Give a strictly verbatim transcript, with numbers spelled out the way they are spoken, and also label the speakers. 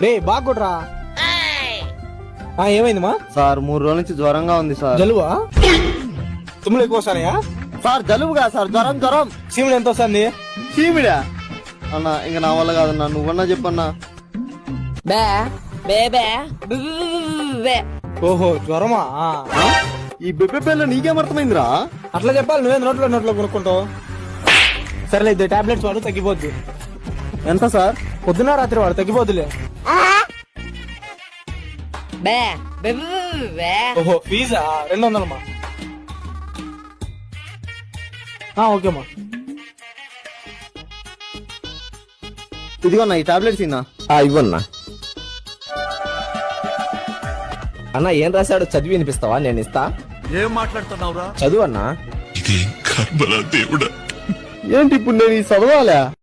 Speaker 1: రే బాగుడ్రా. ఏమైంది మా
Speaker 2: సార్ మూడు రోజుల నుంచి జ్వరంగా ఉంది సార్.
Speaker 1: జలువా? తుమ్ములు ఎక్కువ వస్తాయా
Speaker 2: సార్? జలుబుగా సార్, జ్వరం జ్వరం.
Speaker 1: సీముడు ఎంత వస్తుంది?
Speaker 2: చీమిడా అన్నా, ఇంక నా వల్ల కాదన్నా, నువ్వన్నా చెప్పన్నా.
Speaker 1: ఓహో జ్వరమా?
Speaker 2: ఈ బెబ్బె పేర్లు నీకేమర్థమైందిరా?
Speaker 1: అట్లా చెప్పాలి, నువ్వే నోట్లో నోట్లో కొనుక్కుంటావు. సరేలే ఇద్దరు టాబ్లెట్స్ వాడు, తగ్గిపోద్ది.
Speaker 2: ఎంత సార్?
Speaker 1: పొద్దున రాత్రి వాడు, తగ్గిపోద్దులే. ఓహో ఫీజా? రెండు వందలమ్మా. ఓకేమ్మా.
Speaker 2: ఇదిగోన్నా ఈ టాబ్లెట్స్ ఇన్నా.
Speaker 3: ఇవ్వన్నా. అన్న ఏం రాశాడు చదివి వినిపిస్తావా? నేను ఇస్తా.
Speaker 4: ఏం మాట్లాడుతున్నావురా?
Speaker 3: చదువు అన్నా.
Speaker 4: ఇది కర్మలా దేవుడా.
Speaker 2: ఏంటి ఇప్పుడు నేను ఈ చదవాలా?